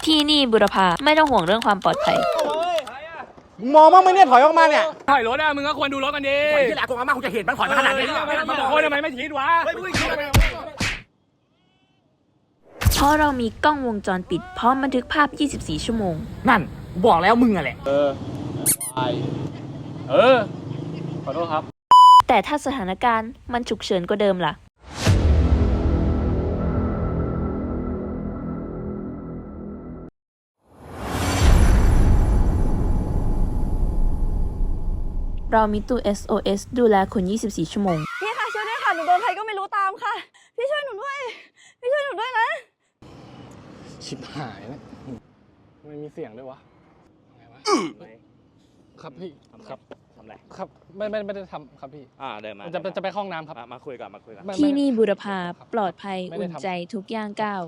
ที่นี่บุรพาไม่ต้องห่วงเรื่องความปลอดภัยมึงมองบ้างไหมเนี่ยถอยออกมาเนี่ยถอยรถอะมึงก็ควรดูรถกันดิที่แหละกูอาม่ากูจะเห็นมันถอยมาขนาดนี้มันบอกทำไมไม่ทิ้งวะเพราะเรามีกล้องวงจรปิดพร้อมบันทึกภาพ 24 ชั่วโมงนั่นบอกแล้วมึงอะแหละขอโทษครับแต่ถ้าสถานการณ์มันฉุกเฉินกว่าเดิมล่ะเรามีตู้ SOS ดูแลคุณ 24 ชั่วโมงพี่คะช่วยด้วยค่ะหนูโดนใครก็ไม่รู้ตามค่ะพี่ช่วยหนูด้วยพี่ช่วยหนูด้วยนะชิบหายแล้วไม่มีเสียงด้วยวะไงวะครับพี่ครับทำไรครับไม่ได้ทำครับพี่เดินมาจะไปห้องน้ำครับมาคุยก่อนที่นี่บุรพาปลอดภัยอุ่นใจทุกย่างก้าว